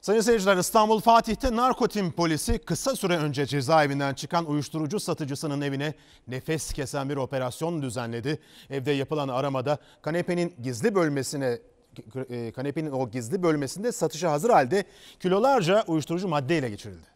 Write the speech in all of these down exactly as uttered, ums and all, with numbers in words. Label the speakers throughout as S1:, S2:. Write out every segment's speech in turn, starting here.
S1: Sayın seyirciler, İstanbul Fatih'te narkotim polisi kısa süre önce cezaevinden çıkan uyuşturucu satıcısının evine nefes kesen bir operasyon düzenledi. Evde yapılan aramada kanepenin gizli bölmesine kanepenin o gizli bölmesinde satışa hazır halde kilolarca uyuşturucu madde ele geçirildi.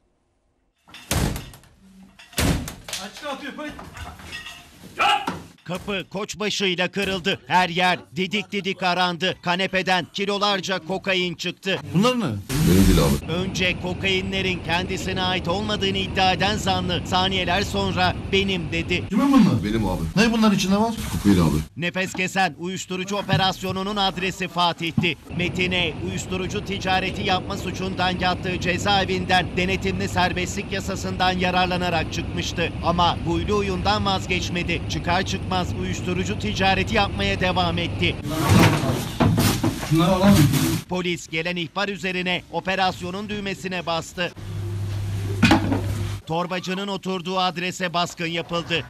S2: Kapı koçbaşıyla kırıldı. Her yer didik didik arandı. Kanepeden kilolarca kokain çıktı.
S3: Bunlar ne?
S4: Benim değil abi.
S2: Önce kokainlerin kendisine ait olmadığını iddia eden zanlı saniyeler sonra benim dedi.
S3: Kimin bunlar?
S4: Benim abi.
S3: Ne bunların içinde var?
S4: Kokain abi.
S2: Nefes kesen uyuşturucu operasyonunun adresi Fatih'ti. Metin'e uyuşturucu ticareti yapma suçundan yattığı cezaevinden denetimli serbestlik yasasından yararlanarak çıkmıştı. Ama huylu huyundan vazgeçmedi. Çıkar çıkmaz uyuşturucu ticareti yapmaya devam etti.
S3: Şunları alalım.
S2: Polis gelen ihbar üzerine operasyonun düğmesine bastı. Torbacının oturduğu adrese baskın yapıldı.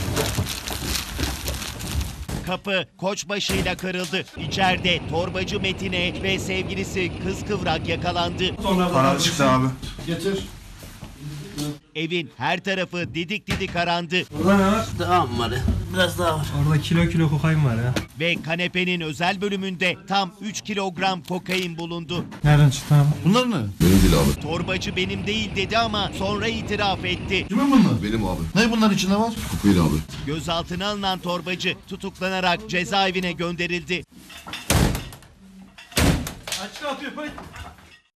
S2: Kapı koçbaşıyla kırıldı. İçeride torbacı Metin'e ve sevgilisi Kız Kıvrak yakalandı.
S3: Para çıktı abi. Getir.
S2: Evin her tarafı didik didik arandı.
S3: Burada ne var?
S5: Tamam var ya. Biraz daha var.
S6: Orada kilo kilo kokain var ya.
S2: Ve kanepenin özel bölümünde tam üç kilogram kokain bulundu.
S6: Nereden çıktı abi?
S3: Bunlar ne?
S4: Benim değil abi.
S2: Torbacı benim değil dedi ama sonra itiraf etti.
S3: Kimin bunlar?
S4: Benim abi.
S3: Ne bunların içinde var?
S4: Kokain abi.
S2: Gözaltına alınan torbacı tutuklanarak cezaevine gönderildi.
S6: Açık atıyor.